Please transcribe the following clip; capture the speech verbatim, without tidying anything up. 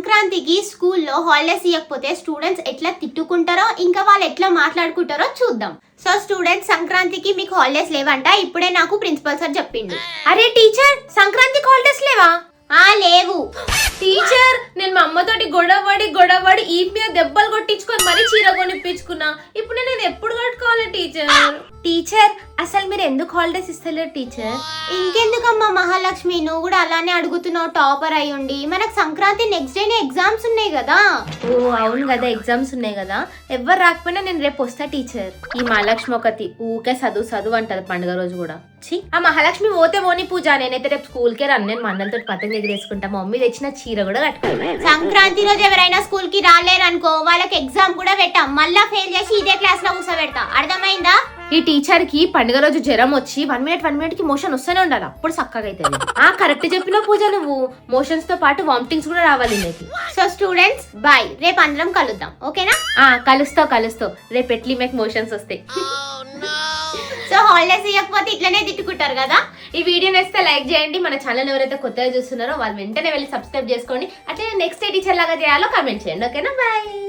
సంక్రాంతికి స్కూల్లో హాలిడేస్ ఇవ్వకపోతే స్టూడెంట్స్ ఎట్లా తిట్టుకుంటారో ఇంకా వాళ్ళు ఎట్లా మాట్లాడుకుంటారో చూద్దాం. సో స్టూడెంట్స్, సంక్రాంతికి మీకు హాలిడేస్ లేవంట. ఇప్పుడే నాకు ప్రిన్సిపల్ సార్ చెప్పిండు. అరే టీచర్, సంక్రాంతికి హాలిడేస్ లేవా? ఆ లేవు టీచర్, నేను మా అమ్మతోటి గొడవడి గొడవడి ఈ మీద దెబ్బలు కొట్టించుకొని మరీ చీర కొనిపించుకున్నా. ఇప్పుడు నేను ఇది ఎప్పుడు కట్టుకోవాలి టీచర్? టీచర్, అసలు మీరు ఎందుకు హాలిడేస్ ఇస్తలేరు టీచర్? ఇంకెందుకమ్మా మహాలక్ష్మి, నువ్వు కూడా అలానే అడుగుతున్నావు. టాపర్ అయి ఉండి మనకు సంక్రాంతి నెక్స్ట్ డేనే ఎగ్జామ్స్ ఉన్నాయి కదా. ఓ అవును కదా, ఎగ్జామ్స్ ఉన్నాయి కదా. ఎవరు రాకపోయినా నేను రేపు వస్తా టీచర్. ఈ మహాలక్ష్మి ఒకటి ఊకే చదువు చదువు అంటది పండుగ రోజు కూడా. ఛీ, ఆ మహాలక్ష్మి పోతే పోని పూజ, నేనైతే రేపు స్కూల్ కే రన్. నేను మందలతో పతంగ ఎగిరేసుకుంటా. మా మమ్మీ తెచ్చిన చీర కూడా కట్టుకోవాలి. సంక్రాంతి రోజు ఎవరైనా స్కూల్ కి రాలేరనుకో, వాళ్ళకి ఎగ్జామ్ కూడా పెట్టాం. మళ్ళా ఫెయిల్ చేసి ఇదే క్లాస్ లో కూర్చోబెడతా. అర్థమైందా? ఈ టీచర్ కి పండుగ రోజు జ్వరం వచ్చి వన్ మినిట్ వన్ మినిట్ కి మోషన్ వస్తూనే ఉండాలి, అప్పుడు చక్కగా అవుతుంది. ఆ కరెక్ట్ చెప్పిన పూజ, నువ్వు మోషన్స్ తో పాటు వామిటింగ్స్ కూడా రావాలి నీకు. సో స్టూడెంట్స్ బాయ్, రేపు అందరం కలుద్దాం, ఓకేనా? ఆ కలుస్తావు కలుస్తావు రేపు ఎట్లీ మీకు మోషన్స్ వస్తాయి. సో హాలిడేస్ ఇవ్వకపోతే ఇట్లనే తిట్టుకుంటారు కదా. ఈ వీడియో నచ్చితే లైక్ చేయండి. మన ఛానల్ ఎవరైతే కొత్తగా చూస్తున్నారో వాళ్ళు వెంటనే వెళ్ళి సబ్స్క్రైబ్ చేసుకోండి. అట్లనే నెక్స్ట్ ఏ టీచర్ లాగా చేయాలో కామెంట్ చేయండి, ఓకేనా? బాయ్.